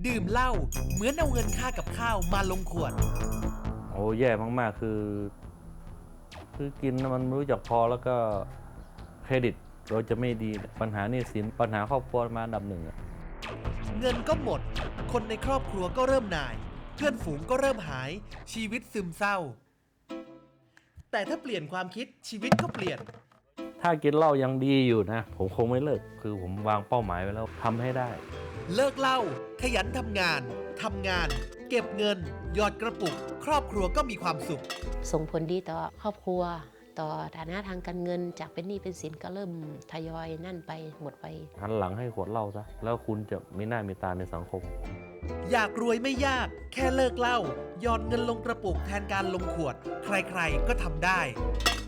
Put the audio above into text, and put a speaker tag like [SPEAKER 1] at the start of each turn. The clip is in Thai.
[SPEAKER 1] ดื่มเหล้าเหมือนเอาเงินค่ากับข้าวมาลงขวด
[SPEAKER 2] โอ้แย่มากๆคือกินมันไม่รู้จักพอแล้วก็เครดิตเราจะไม่ดีปัญหาหนี้สินปัญหาครอบครัวมาอันดับหนึ่ง
[SPEAKER 1] เงินก็หมดคนในครอบครัวก็เริ่มหน่ายเพื่อนฝูงก็เริ่มหายชีวิตซึมเศร้าแต่ถ้าเปลี่ยนความคิดชีวิตก็เปลี่ยน
[SPEAKER 2] ถ้ากินเหล้ายังดีอยู่นะผมคงไม่เลิกคือผมวางเป้าหมายไว้แล้วทำให้ได้
[SPEAKER 1] เลิกเหล้าขยันทำงานเก็บเงินหยอดกระปุกครอบครัวก็มีความสุข
[SPEAKER 3] ส่งผลดีต่อครอบครัวต่อฐานะทางการเงินจากเป็นหนี้เป็นสินก็เริ่มทยอยนั่นไปหมดไป
[SPEAKER 2] หันหลังให้ขวดเหล้าซะแล้วคุณจะมีหน้ามีตาในสังคม
[SPEAKER 1] อยากรวยไม่ยากแค่เลิกเหล้าหยอดเงินลงกระปุกแทนการลงขวดใครๆก็ทำได้